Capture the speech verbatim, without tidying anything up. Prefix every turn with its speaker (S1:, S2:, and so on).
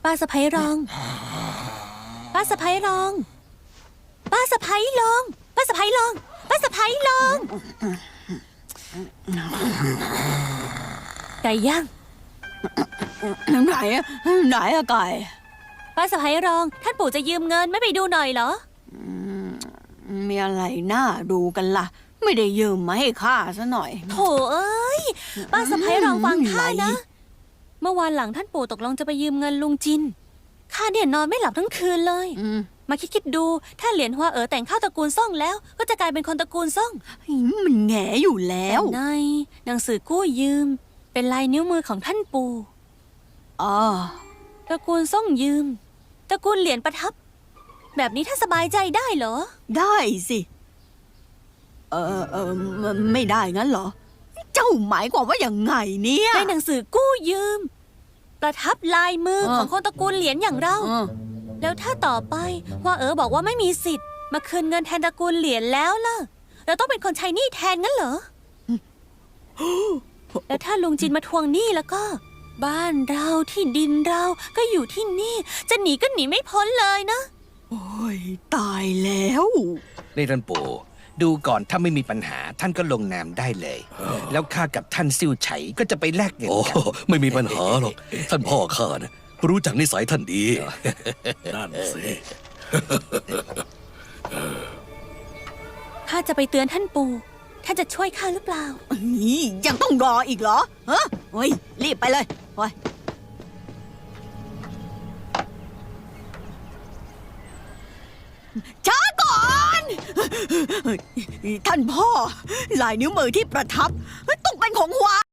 S1: ป้าสะพ้ยรองป้าสะพ้ยรองป้าสะพ้ยรองป้าสะพ้ยรองป้าสะพ้ยรองไก่ย่าง
S2: ไหนอะไหนอะไก่
S1: ป้าสะพ้ยรองท่านปู่จะยืมเงินไม่ไปดูหน่อยเหรอ
S2: มีอะไรน่าดูกันล่ะไม่ได้ยืมมาให้ข้าซะหน่อย
S1: โถเอ้ยป้าสะพ้ยรองฟังข้านะเมื่อวานหลังท่านปู่ตกลงจะไปยืมเงินลุงจินข้าเนี่ยนอนไม่หลับทั้งคืนเลยมาคิดคิดดูถ้าเหรียญฮัวเอ๋อแต่งเข้าตระกูลซ่องแล้วก็จะกลายเป็นคนตระกูลซ่อง
S2: มันแง่อยู่แล้ว
S1: ในหนังสือกู้ยืมเป็นลายนิ้วมือของท่านปู่
S2: อ๋อ
S1: ตระกูลซ่องยืมตระกูลเหรียญประทับแบบนี้ถ้าสบายใจได้เหรอ
S2: ได้สิเออเออไม่ได้งั้นเหรอเจ้าหมายความว่าอย่างไงเนี่ย
S1: ในหนังสือกู้ยืมประทับลายมือของคนตระกูลเหรียญอย่างเราแล้วถ้าต่อไปว่าเอ๋อบอกว่าไม่มีสิทธิ์มาคืนเงินแทนตระกูลเหรียญแล้วล่ะเราต้องเป็นคนใช้หนี้แทนงั้นเหรอแล้วถ้าลุงจินมาทวงหนี้แล้วก็บ้านเราที่ดินเราก็อยู่ที่นี่จะหนีก็หนีไม่พ้นเลยนะ
S2: โอ้ยตายแล้ว
S3: นี่ท่านปู่ดูก่อนถ้าไม่มีปัญหาท่านก็ลงนามได้เลยแล้วข้ากับท่านซิ่วไฉก็จะไปแลกเงินกัน
S4: ไม่มีปัญหาหรอกท่านพ่อข้านะรู้จักนิสัยท่านดีนั่นสิ
S1: ข้าจะไปเตือนท่านปู่ท่านจะช่วยข้าหรือเปล่า
S2: นี่ยังต้องรออีกเหรอฮะเฮ้ยรีบไปเลยไปช้าก่อนท่านพ่อลายนิ้วมือที่ประทับต้องเป็นของหวา